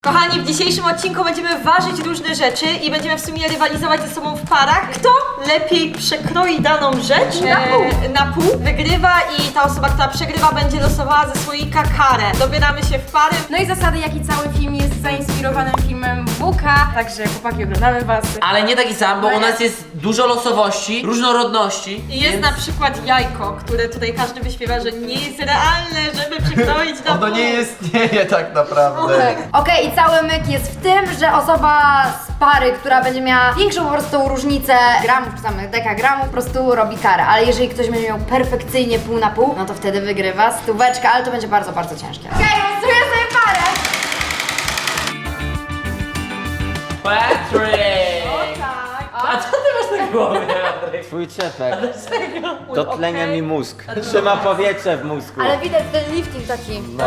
Kochani, w dzisiejszym odcinku będziemy ważyć różne rzeczy i będziemy w sumie rywalizować ze sobą w parach. Kto lepiej przekroi daną rzecz na pół, wygrywa i ta osoba, która przegrywa, będzie losowała ze słoika karę. Dobieramy się w pary. No i zasady, jak i cały film jest zainspirowany filmem Buka, także chłopaki, oglądamy was. Ale nie taki sam, bo u nas jest dużo losowości, różnorodności. I jest na przykład jajko, które tutaj każdy wyśpiewa, że nie jest realne, żeby przekroić na pół. Ono nie istnieje tak naprawdę. Okej, i cały myk jest w tym, że osoba z pary, która będzie miała większą po prostu różnicę gramów, czy tam dekagramów, po prostu robi karę. Ale jeżeli ktoś będzie miał perfekcyjnie pół na pół, no to wtedy wygrywa stóweczkę, ale to będzie bardzo, bardzo ciężkie. Okej, losuję sobie parę! Patryk! A co ty masz na głowie, Patryk? Twój czepek. Dotlenia mi mózg. Trzyma powietrze w mózgu. Ale widać ten lifting taki. No.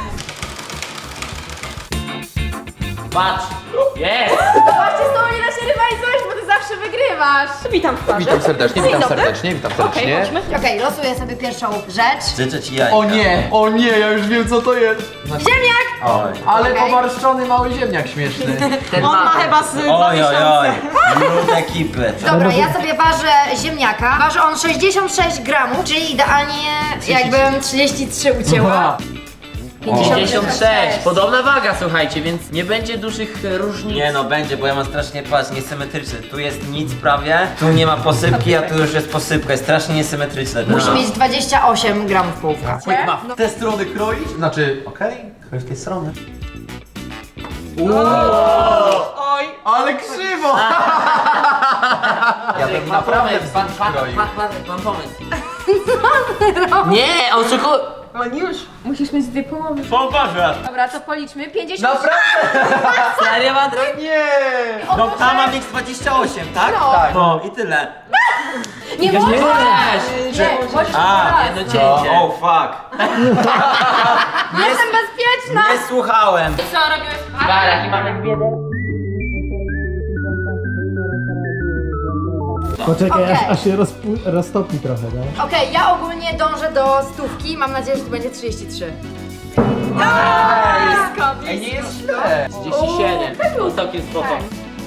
Patrz! Jest! Zobaczcie, z tobą nie da się rywalizować, bo ty zawsze wygrywasz. Witam w parze. Witam serdecznie, Dzień witam dobry. serdecznie, witam serdecznie. Chodźmy. Okej, losuję sobie pierwszą rzecz. Życzę ci jajka. O nie, ja już wiem co to jest. Ziemniak! Oj. Ale Okej. pomarszczony mały ziemniak śmieszny. Ten On ma ma. chyba z 2 Oj, oj, oj. miesiące. Lud ekipy. Dobra, ja sobie ważę ziemniaka. Waży on 66 gramów, czyli idealnie jakbym 33 ucięła. 56. Podobna waga, słuchajcie, więc nie będzie dużych różnic. Nie no, będzie, bo ja mam strasznie, patrz, niesymetryczny. Tu jest nic prawie, tu nie ma posypki, a tu już jest posypka. Jest strasznie niesymetryczne. Musi mieć 28 gramów połówka. W te strony kroić? Znaczy, okej, kroj w tej strony. Oj. Ale krzywo! Ja bym naprawdę pan, wzdłuż kroił. pan pomysł. Nie, oszukuj. On już. Musisz mieć dwie połowy. Poważnie. Dobra, to policzmy. 50. Naprawdę? Serio, Patryk? Nie! No ta ma mieć 28, tak? No. Tak. No i tyle. Nie Nie możesz! możesz. Nie, możesz A, raz. No cięcie. Oh fuck. Jestem bezpieczna! Nie słuchałem. Co robimy w parach? Parach i mamy dwie. Poczekaj, Okej. aż się roztopi trochę, no. Okej, ja ogólnie dążę do stówki. Mam nadzieję, że to będzie 33. Ej, nie jest źle. 37. No całkiem spoko.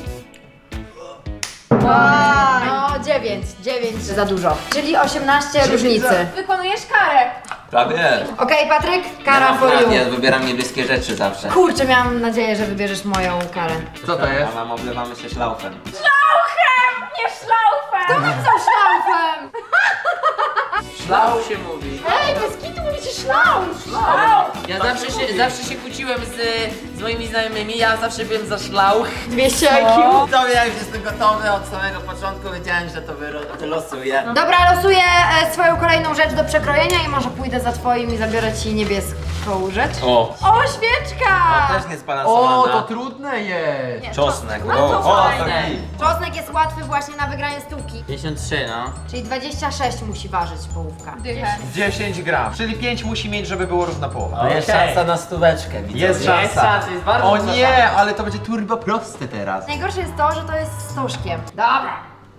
No 9 za dużo. Czyli 18 różnicy. Wykonujesz karę. Prawie. Okej, Patryk, kara for you. Ja wybieram niebieskie rzeczy zawsze. Kurczę, miałam nadzieję, że wybierzesz moją karę. Co to jest? A mam oblewamy się szlaufem. Nie szlaufem! To co szlaufem? Szlał się mówi. Ej, bez kitu mówicie szlauf! Ja zawsze się kłóciłem z moimi znajomymi, ja zawsze byłem za szlauch. 200 IQ. To ja już jestem gotowy od samego początku, wiedziałem, że to wylosuję. Dobra, losuję swoją kolejną rzecz do przekrojenia i może pójdę za twoim i zabiorę ci niebieską rzecz. O. O, świeczka! Też niezbalansowana. O, to trudne jest. Czosnek. to fajne. taki. Czosnek jest łatwy właśnie na wygranie stówki. 53, no. Czyli 26 musi ważyć połówka. 10 gram, czyli 5 musi mieć, żeby było równa połowa. To jest Okej. szansa na stóweczkę, widzowie. Jest szansa. Jest szansa, jest bardzo O duża nie, szansa. ale to będzie turbo proste teraz. Najgorsze jest to, że to jest z stożkiem. Dobra.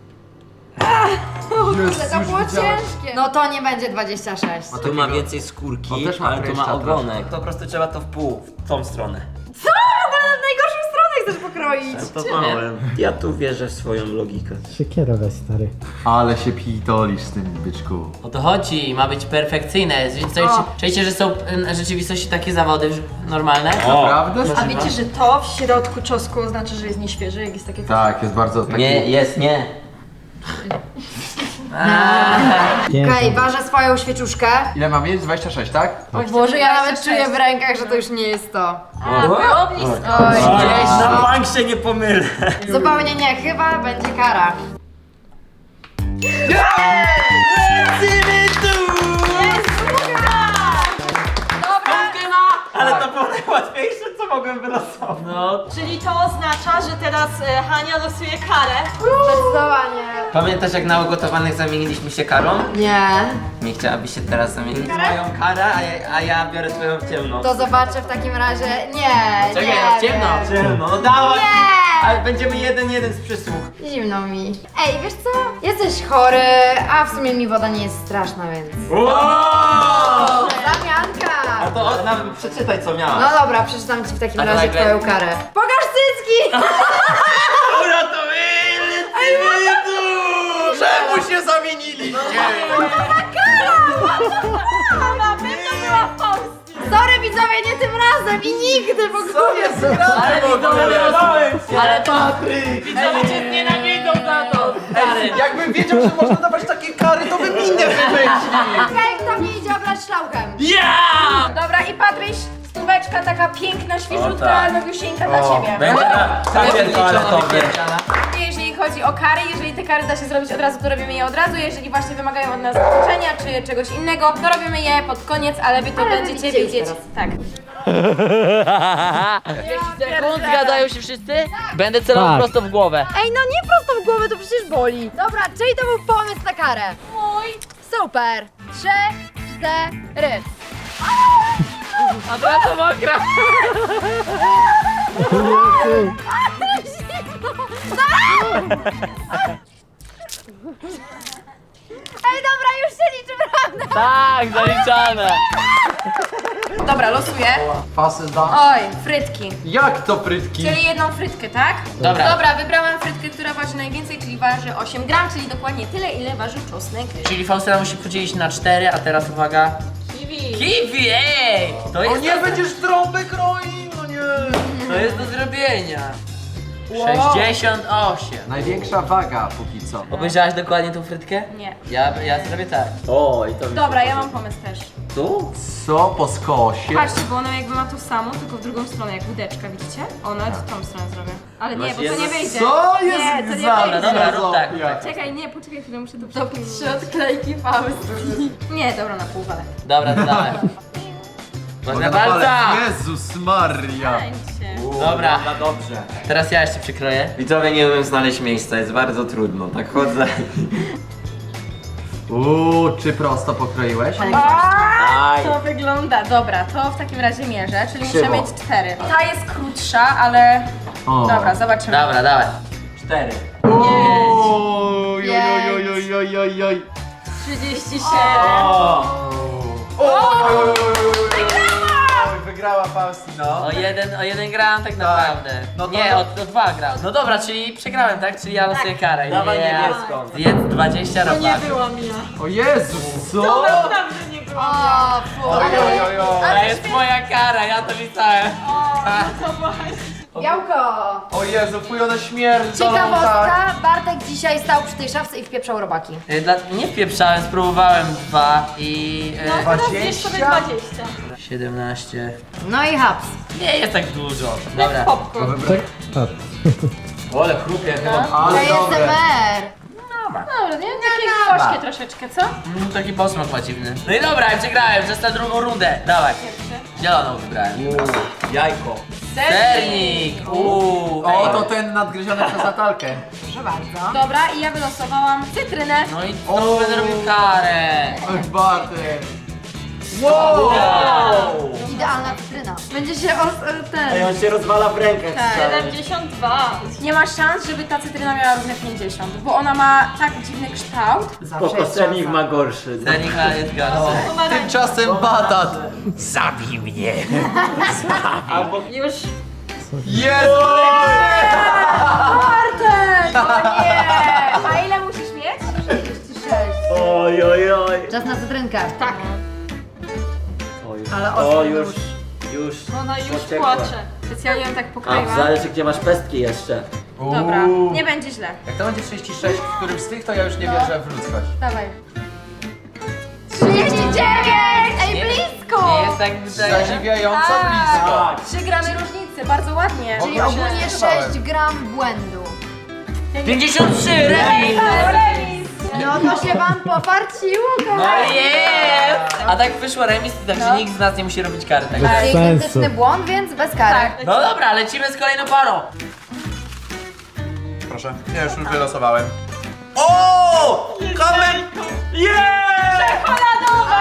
Jezus, To było już widziałem. ciężkie. No to nie będzie 26. Tu ma więcej skórki, On też ma ale tu ma kleszcza ogonek. To po prostu trzeba to w pół, w tą stronę. Co? Na najgorszą stronę chcesz pokroić. To małem. Ja tu wierzę w swoją logikę. Siekierę weź, stary. Ale się pitolisz z tym, byczku. O to chodzi, ma być perfekcyjne. Czujecie, że są w rzeczywistości takie zawody normalne? Naprawdę? A wiecie, że to w środku czosnku oznacza, że jest nieświeży, jak jest takie coś? Tak, jest bardzo taki... Nie, jest, nie. Okej, ważę swoją świeczuszkę. Ile mam mieć? 26, tak? O Boże, ja nawet czuję w rękach, że to już nie jest to. Było blisko. Oj, Na bank się nie pomylę. zupełnie nie, chyba będzie kara. Ale to było najłatwiejsze, co mogłem wylosować. No. Czyli to oznacza, że teraz Hania losuje karę. Zdecydowanie. Pamiętasz, jak na ugotowanych zamieniliśmy się karą? Nie. Nie chciałabyś się teraz zamienić moją karę, a ja biorę twoją ciemną. To zobaczę w takim razie. Nie, Czekaj, nie. ja ciemno. Ciemno, no dawaj! Nie. Ale będziemy 1-1 z przysłuch. Zimno mi. Ej, wiesz co? Jesteś chory, a w sumie mi woda nie jest straszna, więc... Wow! Zamianka! to przeczytaj co miałaś. No dobra, przeczytam ci w takim A to razie nagle- twoją karę. Pokaż cycki! Czemu się zamieniliście? Sorry widzowie, nie tym razem i nigdy w ogóle. Ale to... Widzowie cię nienawidzą za to! Stary. Jakbym wiedział, że można dawać takie kary, to bym inne wymyślił. Okej, kto mnie idzie obrać szlauchem? Ja! Dobra, i Patryś, stóweczka taka piękna, świeżutka, tak. nowusieńka dla ciebie. Będzie na papier toaletowy. Jeżeli chodzi o kary, jeżeli te kary da się zrobić od razu, to robimy je od razu. Jeżeli właśnie wymagają od nas zakończenia czy czegoś innego, to robimy je pod koniec, ale wy to będziecie widzicie już wiedzieć. teraz. Tak. Sekund, zgadzają się wszyscy? Będę celował Tak. prosto w głowę. Ej, no nie prosto w głowę, to przecież boli. Dobra, czyli to był pomysł na karę? Mój. Super. 3, 4. A teraz to mokra. Ej, dobra, już się liczy, prawda? Tak, zaliczane. Dobra, losuję. Pasy da. Oj, frytki. Jak to frytki? Czyli jedną frytkę, tak? Dobra. Dobra, wybrałam frytkę, która waży najwięcej, czyli waży 8 gram, czyli dokładnie tyle, ile waży czosnek. Czyli Faustyna musi podzielić na 4, a teraz uwaga. Kiwi. Kiwi, ej! To O jest, nie, będziesz trąby kroił, no nie. to jest do zrobienia. 68. Największa waga póki co. Obejrzałaś dokładnie tą frytkę? Nie. Ja zrobię tak. O, i to mi się Dobra, ja podoba. mam pomysł też. Tu? Co po skosie? Patrzcie, bo ona jakby ma to samo, tylko w drugą stronę, jak łódeczka, widzicie? Ona w tą stronę zrobię. Ale nie, Masz bo to jedno- nie wyjdzie. Co Nie, jest to nie za wyjdzie. Dobra, rób tak. Czekaj, nie, poczekaj chwilę, muszę to przekleić. Trzy odklejki Faustki. Nie, dobra, na pół walę. Dobra, to dawaj. Ważna palca! Jezus Maria. Dobra. No dobrze. Teraz ja jeszcze przykroję. Widzowie, nie umiem znaleźć miejsca, jest bardzo trudno. Tak chodzę. Czy prosto pokroiłeś? Aj. To wygląda, dobra, to w takim razie mierzę, czyli muszę Krzywo. mieć 4. Ta jest krótsza, ale... O. Dobra, zobaczymy. Dobra, dawaj. 4. Oj, oj, oj, oj, oj, oj. 37. Wygrała Faustino. O jeden gram tak naprawdę. No to- Nie, o 2 gram. No dobra, czyli przegrałem, tak? Czyli ja losuję karę. Dawaj Yeah. niebieską. Zjedz 20 To nie robaków. byłam ja. O Jezus, co? To naprawdę nie byłam ja. O, fu. Oj, oj, oj, oj. To jest moja kara, ja to listałem. To właśnie. Białko. O Jezu, fuj, one śmierdzą tak. Ciekawostka, Bartek dzisiaj stał przy tej szafce i wpieprzał robaki. Nie wpieprzałem, spróbowałem 2 i... No teraz zjesz sobie 20. 17. No i haps. Nie jest tak dużo. Dobra. Popcorn. Tak, tak. Ole, chrupie chyba. Ale To jest dobre. MR. Dobra, nie? Takie gorzkie troszeczkę, co? Taki posmak ma dziwny. No i dobra, ja przegrałem, przez tę drugą rundę. Dawaj. Zieloną wybrałem. Jajko. Sernik! O, to ten nadgryziony przez Natalkę. Proszę bardzo. Dobra, i ja wylosowałam cytrynę. No i to będę robił karę. Oj, Bartek. Wow! Idealna cytryna. Będzie się Ej, on się rozwala w rękach. Tak. 72. Nie ma szans, żeby ta cytryna miała równe 50, bo ona ma tak dziwny kształt. Spoko, sernik ma gorszy. Sernik ma jest gorszy. Tymczasem batat. Już. Jest! Bartek! O nie! A ile musisz mieć? 36. Oj, oj, oj. Czas na cytrynkę. Tak. Oj, Ale o, ostry już. Ona już Pociekła. płacze. Specjalnie ją tak A, pokroiłam. zależy gdzie masz pestki jeszcze. Dobra, nie będzie źle. Jak to będzie 36 w którymś z tych, to ja już nie wierzę w ludzkość. Dawaj. 39! Ej, blisko! Nie jest tak Zadziwiająco Tak. blisko. 3 gramy różnicy, bardzo ładnie. Czyli Właśnie ogólnie nie 6 gram błędu. 53 remis! Remis! No to się wam poparciło, No kochani. jest! A tak wyszło remis, także nikt z nas nie musi robić kary. Tak? Bez Czyli sensu. identyczny błąd, więc bez kary. No dobra, lecimy z kolejną parą. Proszę, ja już wylosowałem. O! Kamen!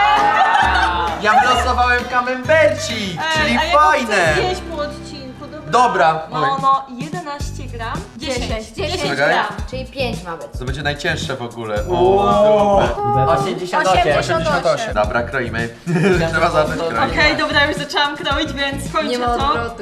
Ja wylosowałem kamembercik, czyli a ja go fajne. chcę zjeść po odcinku. Dobra. Dobra. Oj. No, 11 gram. 10 10 Czekaj. gram. Czyli 5 ma być. To będzie najcięższe w ogóle. O, 88. 88. Dobra, kroimy. Trzeba zacząć kroić. Okej, dobra, już zaczęłam kroić, więc kończę Nie ma to. odwrotu.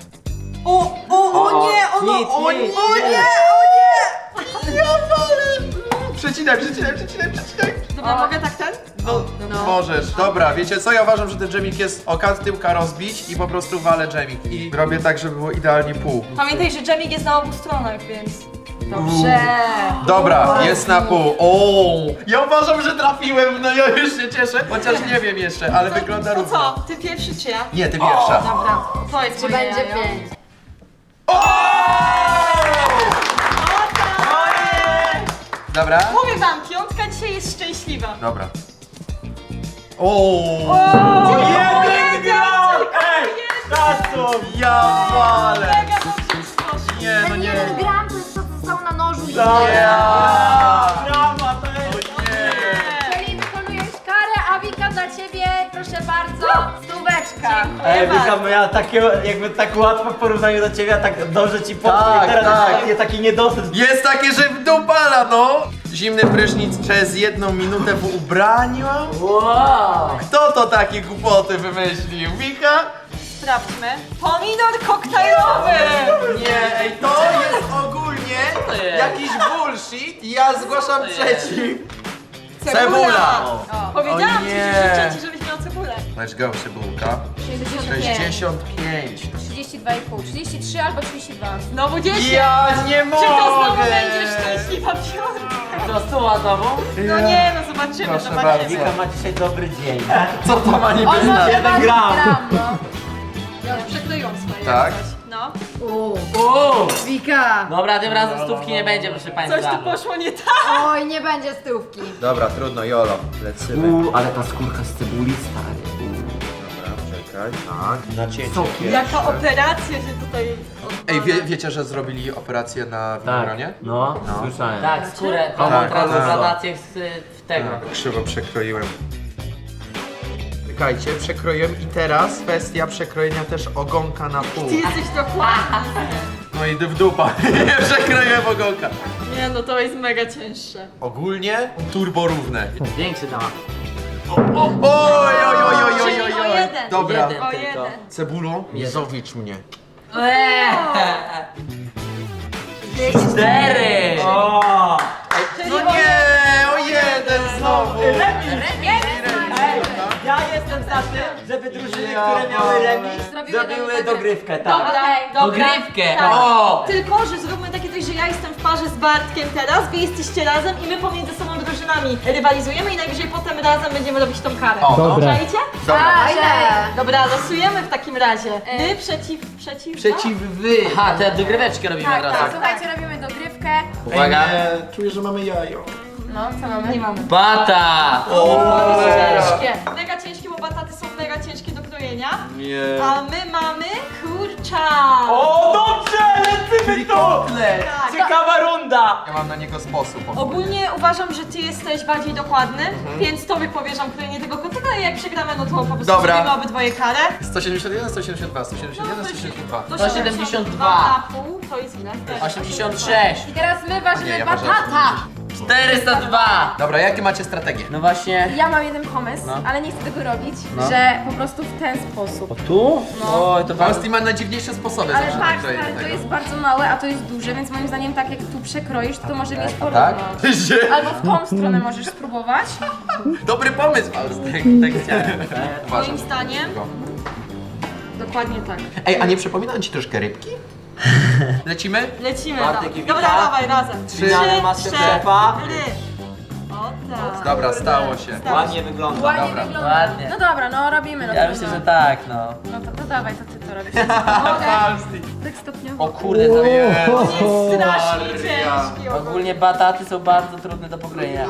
O nie, ono, Nic, o nic. nie, o nie! Ja wolę! Przecinaj. Dobra, mogę tak ten? No, możesz. Dobra, wiecie co? Ja uważam, że ten dżemik jest oka tyłka rozbić i po prostu walę dżemik. I robię tak, żeby było idealnie pół. Pamiętaj, że dżemik jest na obu stronach, więc... Dobrze. Dobra, jest na pół. O, ja uważam, że trafiłem, no ja już się cieszę. Chociaż nie wiem jeszcze, ale wygląda To równo. co, ty pierwszy czy ja? Nie, ty pierwsza. Dobra, to jest Czy moje będzie jajo. 5? Dobra? Mówię wam, piątka dzisiaj jest szczęśliwa. Dobra. O, Jeden gram! ja walę. Mega dobrze ci poszło. Nie, no Ten nie. 1 gram to jest to, co zostało na nożu i Czyli wykonujesz karę, a Wika dla ciebie, proszę bardzo, stóweczka. Wika miała jakby tak łatwo w porównaniu do ciebie, a tak dobrze ci poszło. Tak, I teraz tak. taki niedosyt. Jest takie, że wdupala, no. Zimny prysznic przez 1 minutę w ubraniu? Wow. Kto to takie głupoty wymyślił? Wika? Sprawdźmy. Pomidor koktajlowy! Nie, ej, to jest ogólnie jakiś bullshit i ja zgłaszam przeciw. Cebula! Powiedziałam O ci, nie. że życzę ci, żebyś miał cebulę. Let's go, cebulka. 65. 32,5, 33 albo 32. Znowu 10. Ja nie Czy to znowu mogę! będzie szczęśliwa piątka? To stuwa znowu? No nie, no zobaczymy, Proszę zobaczymy. bardzo. Wika ma dzisiaj dobry dzień. Co to ma niby On ma znaczyć? 1 gram. no. Ja przekleiłam swoje. Tak? jak coś. No. Wika! Dobra, tym razem stówki nie będzie, proszę państwa. Coś tu poszło nie tak. Oj, nie będzie stówki. Dobra, trudno, jolo. Lecimy. Ale ta skórka z cebuli stary. Dobra, czekaj. Tak. Nacięcie. Jaka operacja się tutaj Ej, wiecie, że zrobili operację na winogronie? No, słyszałem. Tak, skórę, tą Tak, transplantację w tego. Tak, krzywo przekroiłem. Czekajcie, przekroiłem i teraz kwestia przekrojenia też ogonka na pół. Ty jesteś dokładny. No i w dupa. Nie przekroiłem ogonka. Nie no, to jest mega cięższe. Ogólnie turbo równe. Większy dała. Oj, oj, oj, oj, oj, oj, Czyli o oj. jeden. Dobra. Jeden. O Tylko. jeden. Cebulo, nie zowicz mnie. 4! No nie, o jeden znowu. Ja jestem za tym, żeby drużyny, które miały remis, zrobiły dogrywkę, tak. Okej, dobra. Dogrywkę. Tak. O! Tylko, że zróbmy takie coś, że ja jestem w parze z Bartkiem teraz, wy jesteście razem i my pomiędzy sobą drużynami rywalizujemy i najwyżej potem razem będziemy robić tą karę. O, no. Dobra. Czajcie? Dobra. Dobra, losujemy w takim razie. Wy przeciw... Przeciw wy. Aha, te dogryweczki robimy Tak, od razu. tak, słuchajcie, robimy dogrywkę. Uwaga. Czuję, że mamy jajo. No, co mamy? Nie mamy. Bata! To jest ciężkie. Mega ciężkie, bo bataty są mega ciężkie do krojenia. Nie. A my mamy kurczak. O, dobrze, lecimy tu! Kotlet. Tak. Ciekawa runda! Ja mam na niego sposób. Ogólnie uważam, że ty jesteś bardziej dokładny, więc tobie powierzam krojenie tego kotleta i jak przegramy, no to po prostu Dobra. zrobimy obydwoje karę. 171, 172, 171, 172. To 172. na pół, to jest ile? 86! I teraz my ważymy Nie, ja ważę batata. 402! Dobra, jakie macie strategie? No właśnie. Ja mam jeden pomysł, No. ale nie chcę tego robić, że po prostu w ten sposób. Tu? No. Oj, to bardzo... Fausti ma najdziwniejsze sposoby Ale zawsze patrz, na krojenie stary, to tego. jest bardzo małe, a to jest duże, więc moim zdaniem tak jak tu przekroisz, to może mieć porówno. Tak? Albo w tą stronę możesz spróbować. Dobry pomysł, Fausti. Tak chciałem. Moim zdaniem dokładnie tak. Ej, a nie przypominam ci troszkę rybki? Lecimy? Lecimy. Bartek i Wika. Dobra, dawaj razem. Finalne Masterchefa. 4. O tak. Dobra, stało się. Ładnie wygląda. Ładnie Dobra. wygląda. Ładnie. No dobra, no robimy. No Ja trudno. myślę, że tak, no. No to dawaj, to ty to robisz. Mogę? Tak stopniowo. O kurde, to Jezu, Jest strasznie Maria. ciężki. ogólnie bataty są bardzo trudne do pokrojenia.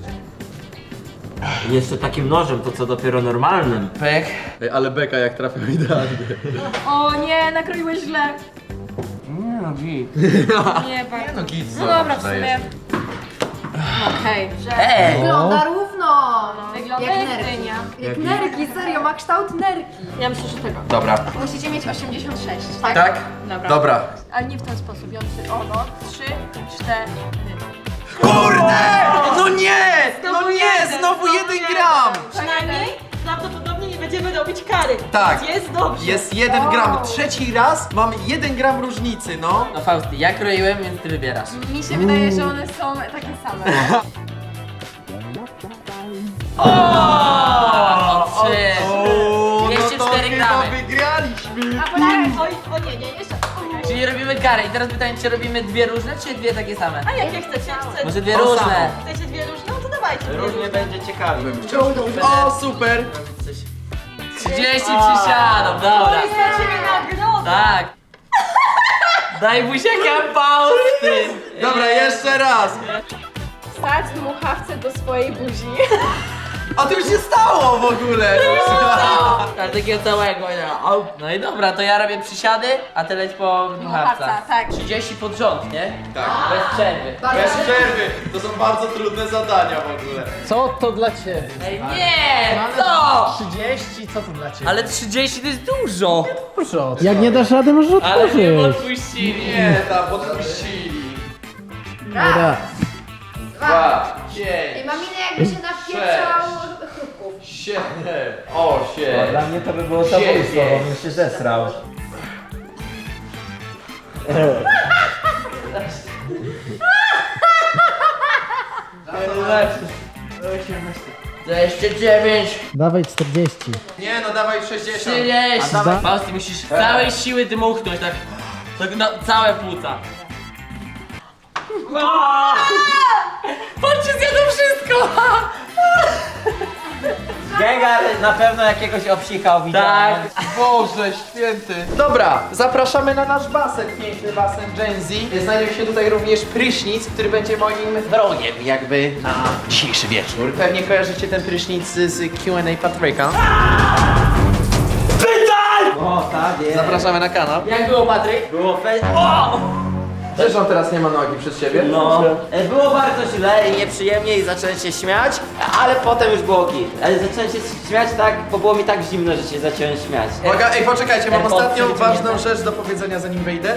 Jeszcze takim nożem, to co dopiero normalnym. Pech. Ej, ale beka jak trafił idealnie. O nie, nakroiłeś źle. Nie no, git. Nie, bardzo. No git, No dobra, w sumie. Okej. Ej! Wygląda równo! Wygląda zielone Jak jak nerki. dynia. Jak nerki, serio, ma kształt nerki. Ja myślę, że tego. Dobra. Musicie mieć 86. Tak? Dobra. Dobra. Ale nie w ten sposób. Ja myślę, o no, 3, 4. Kurde! No nie! No nie! Znowu 1 gram! Przynajmniej prawdopodobnie nie będziemy robić kary. Tak. Więc jest dobrze. Jest 1 gram. Trzeci raz mam 1 gram różnicy, no. No Fausty, ja kroiłem, więc ty wybierasz. Mi się wydaje, że one są takie same. O, trzy. O, 204 chyba gramy. wygraliśmy. A poczekaj, Oj, o nie, jeszcze. Czyli robimy karę i teraz pytanie, czy robimy dwie różne, czy dwie takie same? A jakie chcecie? Może dwie To różne. samo. Chcecie dwie różne? No to dawajcie dwie Różnie różne. będzie ciekawie. O, super! 30 przysiadów, dobra. To jest dla ciebie nagroda. Tak. Daj buziaka Fausty. Dobra, jeszcze raz. wsadź dmuchawce do swojej buzi. A to już się stało w ogóle. Tak, takiego całego. Au. No i dobra, to ja robię przysiady, a ty leć po dmuchawca. Dmuchawca, tak. 30 pod rząd, nie? Tak. Bez przerwy. Bez przerwy. To są bardzo trudne zadania w ogóle. Co to dla ciebie? Ej, nie! Co? 30, co to dla ciebie? Ale 30 to jest dużo. Dużo. Jak nie dasz rady, możesz Ale mnie otworzyć. odpuścili. Nie, tam podpuścili. Raz. 2, I 5, maminy jakby się napieprzał chrupków. 7, 8. Dla mnie to by było zabójstwo, bo bym się zesrał. To jeszcze 9. Dawaj 40. Nie no, dawaj 60. 30. Da- Fausty, musisz z całej siły dmuchnąć, tak. Tak na całe płuca. Patrzcie, zjadą wszystko! Gengar na pewno jakiegoś obsikał Tak. widziałem. Boże święty. Dobra, zapraszamy na nasz basen, piękny basen Gen Z. Znajdzie się tutaj również prysznic, który będzie moim wrogiem jakby na dzisiejszy wieczór. Pewnie kojarzycie ten prysznic z Q&A Patryka. O, tak jest. Zapraszamy na kanał. Jak było, Patryk? Było Też on teraz nie ma nogi przed siebie? No, było bardzo źle i nieprzyjemnie i zacząłem się śmiać, ale potem już było git. Ale zacząłem się śmiać tak, bo było mi tak zimno, że się zacząłem śmiać. Uwaga, ej, poczekajcie, mam Ten ostatnią pod- ważną rzecz do powiedzenia zanim wejdę.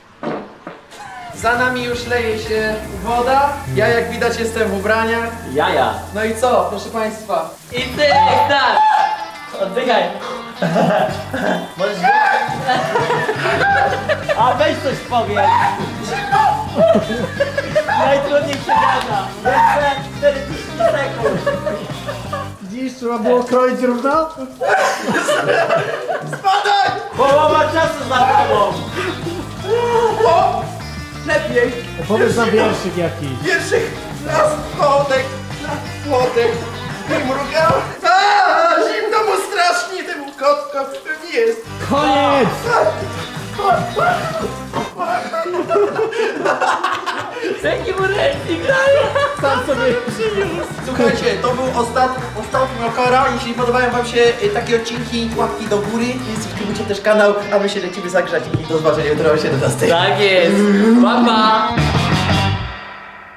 Za nami już leje się woda. Ja jak widać jestem w ubraniach. Jaja. No i co, proszę państwa? I ty, tak! Oddychaj! Możesz A weź coś powiedz. Najtrudniej się gada. Jeszcze 40 sekund. Widzisz, trzeba było kroić równo? Spadaj! Połowa czasu za tobą. O! Lepiej! Opowiedz nam wierszyk jakiś. Pierwszych na spodek, nie mrugał. A, zimno mu strasznie temu kotkom, który jest. Koniec! Jaki mu ręki grają! Sam sobie... Słuchajcie, to był ostatni okara. Jeśli podobają wam się takie odcinki, łapki do góry i subskrybujcie też kanał, a my się lecimy zagrzać i do zobaczenia jutro o 17. Tak jest! Pa, pa!